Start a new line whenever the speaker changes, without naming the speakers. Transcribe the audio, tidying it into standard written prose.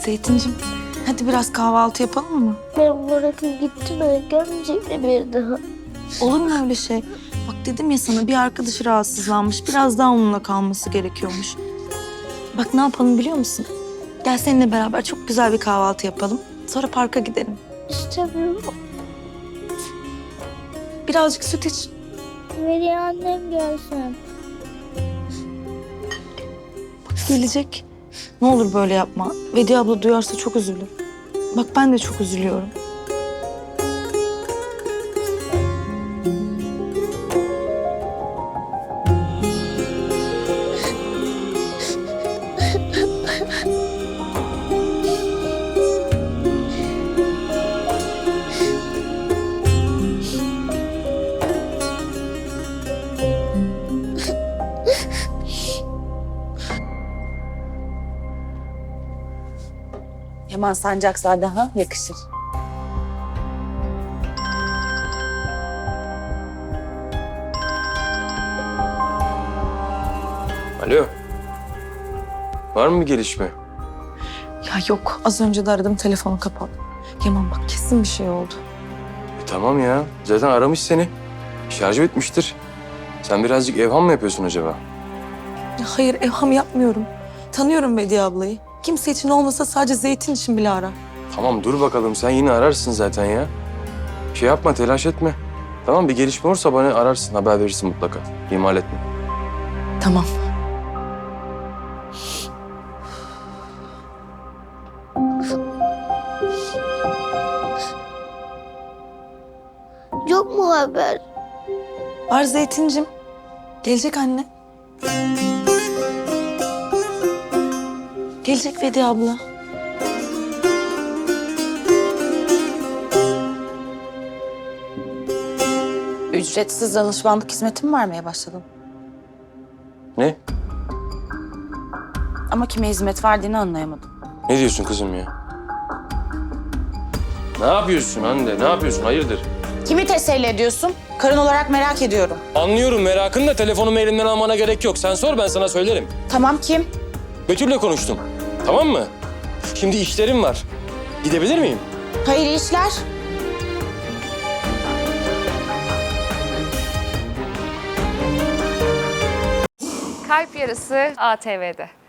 Zeytincim, hadi biraz kahvaltı yapalım mı?
Ben bırakıp gittim, gelmeyecek mi bir daha?
Olur mu öyle şey? Bak dedim ya sana, bir arkadaşı rahatsızlanmış. Biraz daha onunla kalması gerekiyormuş. Bak ne yapalım biliyor musun? Gel seninle beraber çok güzel bir kahvaltı yapalım. Sonra parka gidelim.
İstemiyorum.
Birazcık süt iç.
Veli annem gelsin.
Bak gelecek. Ne olur böyle yapma. Vedi abla duyarsa çok üzülür. Bak ben de çok üzülüyorum.
Yaman Sancakzade ha yakışır.
Alo. Var mı bir gelişme?
Ya yok, az önce de aradım, telefonu kapalı. Yaman bak kesin bir şey oldu.
Tamam ya. Zaten aramış seni. Şarjı bitmiştir. Sen birazcık evham mı yapıyorsun acaba?
Ya hayır, evham yapmıyorum. Tanıyorum Vedi ablayı. Kimse için olmasa sadece Zeytin için bile arar.
Tamam dur bakalım. Sen yine ararsın zaten ya. Şey yapma, telaş etme. Tamam, bir gelişme olursa bana ararsın, haber verirsin mutlaka. İhmal etme.
Tamam.
Yok mu haber?
Var Zeytincim. Gelecek anne. Gelecek Vedi abla.
Ücretsiz danışmanlık hizmeti mi vermeye başladın?
Ne?
Ama kime hizmet verdiğini anlayamadım.
Ne diyorsun kızım ya? Ne yapıyorsun Hande? Ne yapıyorsun? Hayırdır?
Kimi teselli ediyorsun? Karın olarak merak ediyorum.
Anlıyorum merakın da telefonumu elimden almana gerek yok. Sen sor, ben sana söylerim.
Tamam kim?
Betül'le konuştum. Tamam mı? Şimdi işlerim var. Gidebilir miyim?
Hayırlı işler.
Kalp Yarısı ATV'de.